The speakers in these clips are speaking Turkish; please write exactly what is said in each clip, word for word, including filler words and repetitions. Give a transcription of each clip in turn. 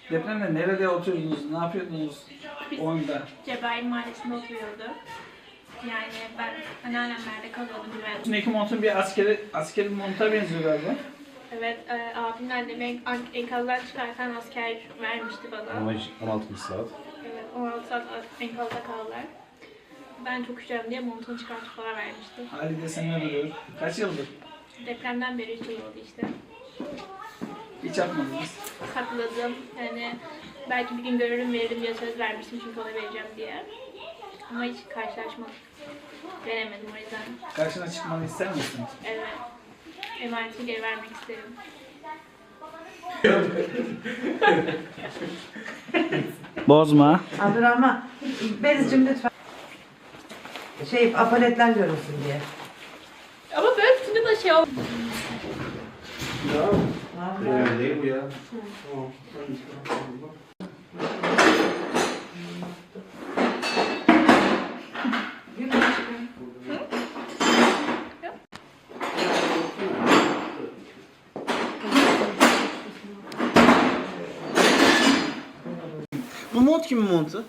Depremde nerede oturuyordunuz, ne yapıyordunuz o anda? Cebel Mahallesi'nde oturuyordu. Yani ben anneannemlerde kalıyordum ben. Üstündeki montun bir askeri, askeri monta benziyor galiba. Evet, e, abimin annemi en- enkazdan çıkartan asker vermişti bana. on altı saat. Evet, on altı saat enkazda kaldılar. Ben çok üşüyorum diye montunu çıkartıp bana vermişti. Halide sen ne duruyor? Kaç yıldır? Depremden beri hiç olmadı işte. Hiç yapmadınız. Sakladım. Yani belki bir gün görürüm veririm diye söz vermiştim çünkü ona vereceğim diye. Ama hiç karşılaşmadık. Denemedim o yüzden. Karşına çıkmanı ister misin? Evet. Emanetini geri vermek isterim. Bozma. Abdurrahman, Beliz'cim lütfen. Şey, apaletler görünsün diye. Ama böyle tutunca da şey oldu. Öyle değil bu ya. Bu mont kimin montu?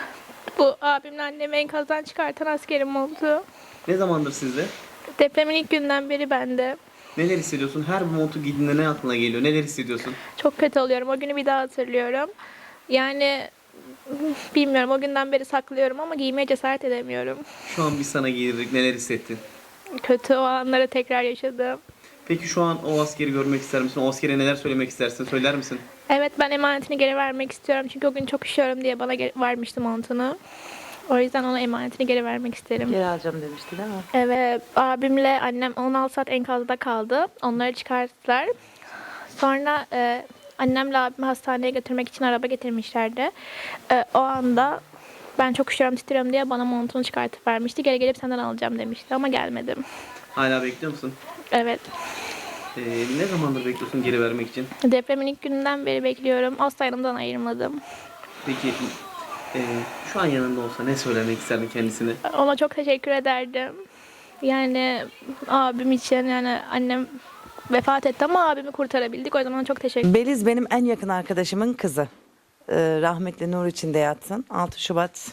Bu abimle annemi enkazdan çıkartan askerin montu. Ne zamandır sizde? Depremin ilk günden beri bende. Neler hissediyorsun? Her montu giydiğinde ne aklına geliyor? Neler hissediyorsun? Çok kötü oluyorum. O günü bir daha hatırlıyorum. Yani bilmiyorum, o günden beri saklıyorum ama giymeye cesaret edemiyorum. Şu an biz sana giydirdik. Neler hissettin? Kötü o anları tekrar yaşadım. Peki şu an o askeri görmek ister misin? O askere neler söylemek istersin? Söyler misin? Evet, ben emanetini geri vermek istiyorum. Çünkü o gün çok üşüyorum diye bana geri- vermişti montunu. O yüzden ona emanetini geri vermek isterim. Geri alacağım demişti değil mi? Evet, abimle annem on altı saat enkazda kaldı. Onları çıkarttılar. Sonra e, annemle abimi hastaneye götürmek için araba getirmişlerdi. E, o anda ben çok üşüyorum, titriyorum diye bana montunu çıkartıp vermişti. Geri gelip senden alacağım demişti ama gelmedim. Hala bekliyor musun? Evet, Ee, ne zamandır bekliyorsun geri vermek için? depremin ilk gününden beri bekliyorum. Asla yanımdan ayırmadım. Peki e, şu an yanında olsa ne söylemek isterdin kendisine? Ona çok teşekkür ederdim. Yani abim için, yani annem vefat etti ama abimi kurtarabildik. O yüzden ona çok teşekkür Beliz benim en yakın arkadaşımın kızı. Ee, rahmetli nur içinde yatsın. altı Şubat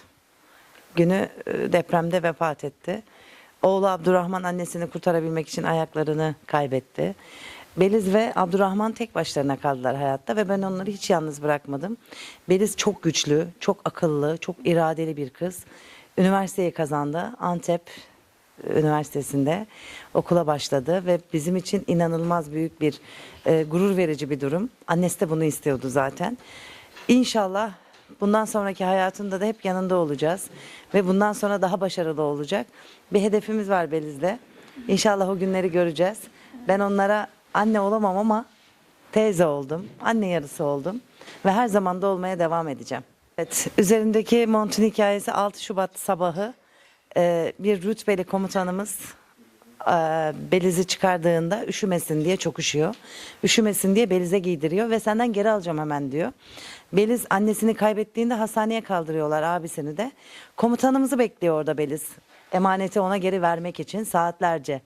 günü e, depremde vefat etti. Oğlu Abdurrahman annesini kurtarabilmek için ayaklarını kaybetti. Beliz ve Abdurrahman tek başlarına kaldılar hayatta ve ben onları hiç yalnız bırakmadım. Beliz çok güçlü, çok akıllı, çok iradeli bir kız. Üniversiteyi kazandı. Antep Üniversitesi'nde okula başladı ve bizim için inanılmaz büyük bir e, gurur verici bir durum. Annesi de bunu istiyordu zaten. İnşallah bundan sonraki hayatında da hep yanında olacağız ve bundan sonra daha başarılı olacak. Bir hedefimiz var Beliz'de. İnşallah o günleri göreceğiz. Ben onlara anne olamam ama teyze oldum, anne yarısı oldum ve her zaman da olmaya devam edeceğim. Evet, üzerindeki montun hikayesi altı Şubat sabahı. Ee, bir rütbeli komutanımız e, Beliz'i çıkardığında üşümesin diye, çok üşüyor. Üşümesin diye Beliz'e giydiriyor ve senden geri alacağım hemen diyor. Beliz annesini kaybettiğinde hastaneye kaldırıyorlar, abisini de. Komutanımızı bekliyor orada Beliz. Emaneti ona geri vermek için saatlerce.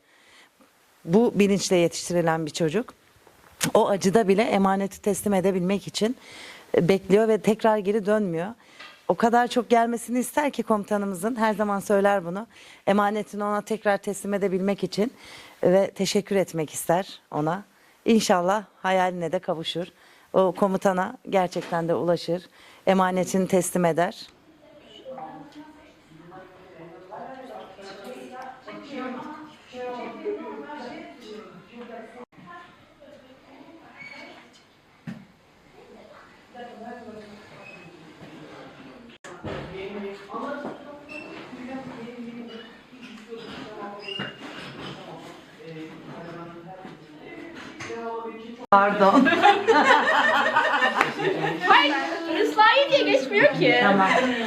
Bu bilinçle yetiştirilen bir çocuk. O acıda bile emaneti teslim edebilmek için e, bekliyor ve tekrar geri dönmüyor. O kadar çok gelmesini ister ki komutanımızın, her zaman söyler bunu. Emanetini ona tekrar teslim edebilmek için ve teşekkür etmek ister ona. İnşallah hayaline de kavuşur. O komutana gerçekten de ulaşır. Emanetini teslim eder. Pardon. Hayır, ıslahi diye geçmiyor ki. Tamam.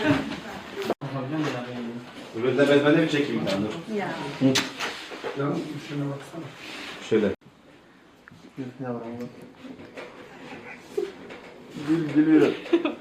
Öbürü de ben de bir çekeyim bir tane dur. Ya. Yalnız şuna baksana. Şöyle. Yavrum. Gül gülüyor.